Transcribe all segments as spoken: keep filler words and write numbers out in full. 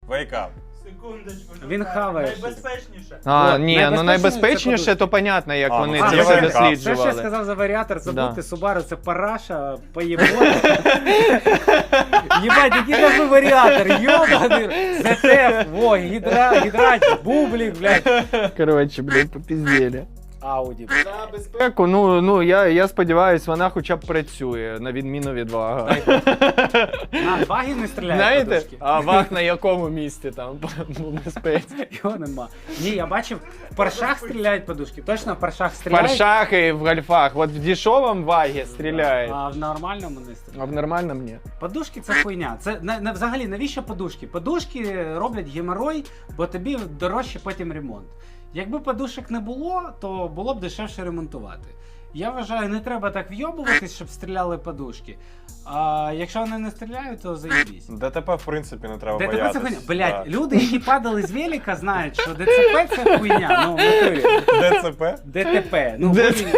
Вейкап. Секундочку. Він хаває щось. Найбезпечніше. А, От, ні, ну найбезпечніше найбезпечніше, це то понятно, як А, вони ну, це це все варіант. Все, що я досліджували. сказав за варіатор, забудьте, Да. Subaru це параша, поєбони. Єбать, який нахуй варіатор, йобаний. ЗТФ, во, гідра, гідрач, бублік, блядь. Коротше, блядь, попіздєлі. Ауді. За безпеку, ну, ну я, я сподіваюся, вона хоча б працює, на відміну від Вага. На, ваги не стріляють Знаєте, подушки. а Ваг на якому місці там по безпеці? Його нема. Ні, я бачив, в паршах стріляють подушки. Точно в паршах В стріляють? паршах і в гольфах. От в дешевому Вагі стріляють, А в нормальному не а стріляють. в нормальному ні. Подушки це хуйня. Це на, на, взагалі навіщо подушки? Подушки роблять геморой, бо тобі дорожче потім ремонт. Якби подушок не було, то було б дешевше ремонтувати. Я вважаю, не треба так вйобуватись, щоб стріляли подушки. А якщо вони не стріляють, то заєбісь. ДТП, в принципі, не треба ДТП це боятися. хуйня. Блять, Да. люди, які падали з велика, знають, що ДЦП це хуйня. Ну, в натурі. ДЦП? ДТП. Ну, Д- хуй-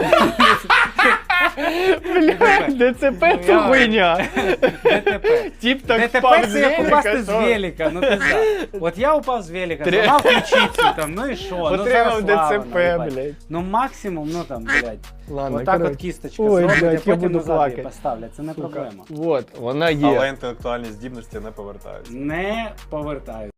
Блядь, ДЦП Ну, це я- хуйня. ДТП. Тіп так ДТП впав з це як упасти велика, з що? велика, ну пизда. От я упав з велика, Три- зламав ключицю там, ну і що? Ну Отримав зараз слава, ДЦП, ну, їбать. блядь. Ну максимум, ну там, блядь. Ладно, Отак от коротше. кісточка Ой, зробить, блядь, а я потім буду назад її плакати. поставлять. Це не Сука. проблема. Вот, вона є. Але інтелектуальні здібності не повертаються. Не повертаю.